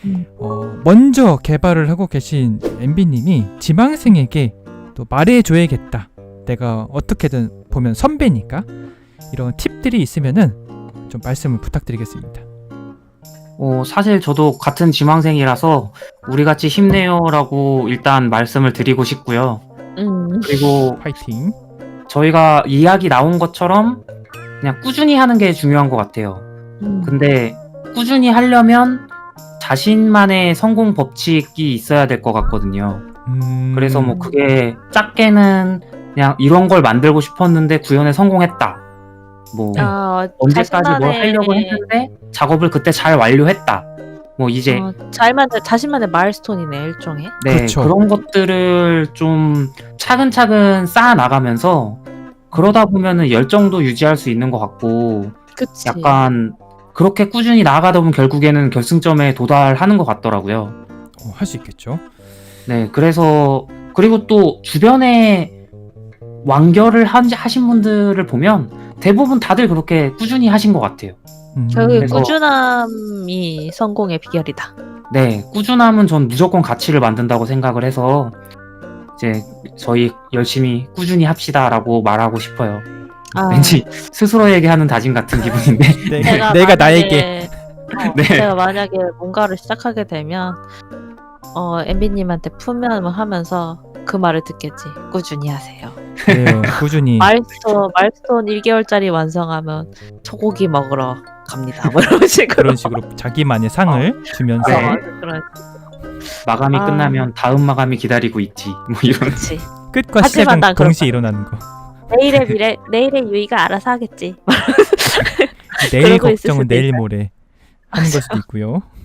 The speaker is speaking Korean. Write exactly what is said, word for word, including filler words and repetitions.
음. 어, 먼저 개발을 하고 계신 엠비님이 지망생에게 또 말해줘야겠다. 내가 어떻게든 보면 선배니까 이런 팁들이 있으면은 좀 말씀을 부탁드리겠습니다. 어, 사실 저도 같은 지망생이라서 우리 같이 힘내요라고 일단 말씀을 드리고 싶고요. 음. 그리고 파이팅. 저희가 이야기 나온 것처럼 그냥 꾸준히 하는 게 중요한 것 같아요. 음. 근데 꾸준히 하려면 자신만의 성공 법칙이 있어야 될 것 같거든요. 음... 그래서 뭐 그게 작게는 그냥 이런 걸 만들고 싶었는데 구현에 성공했다. 뭐 아, 언제까지 뭘 자신만의- 하려고 했는데 작업을 그때 잘 완료했다. 뭐 이제 어, 자신만의, 자신만의 마일스톤이네, 일종의. 네, 그쵸. 그런 것들을 좀 차근차근 쌓아 나가면서 그러다 보면은 열정도 유지할 수 있는 것 같고 그치. 약간 그렇게 꾸준히 나아가다 보면 결국에는 결승점에 도달하는 것 같더라고요. 어, 할 수 있겠죠. 네, 그래서 그리고 또 주변에 완결을 한- 하신 분들을 보면 대부분 다들 그렇게 꾸준히 하신 것 같아요. 음... 결국에 그래서- 꾸준함이 성공의 비결이다. 네, 꾸준함은 전 무조건 가치를 만든다고 생각을 해서 이제 저희 열심히 꾸준히 합시다라고 말하고 싶어요. 아, 왠지 스스로에게 하는 다짐 같은 기분인데. 내가, 내가 나에게 어, 네. 제가 만약에 뭔가를 시작하게 되면 어, 엠비님한테 품면을 하면서 그 말을 듣겠지. 꾸준히 하세요. 네, 꾸준히 마일스톤, 마일스톤 일 개월짜리 완성하면 소고기 먹으러 갑니다. 뭐 이런 식으로. 그런 식으로 자기만의 상을 주면서 네. 어, 그런, 마감이 아. 끝나면 다음 마감이 기다리고 있지. 뭐 이런. 그치. 끝과 하지만 시작은 난 그럴 동시에 일어나는 거. 내일의 미래, 내일의 유이가 알아서 하겠지. 내일 그러고 있을 걱정은 수도 내일 있어요. 모레 하는 걸 수도 있고요.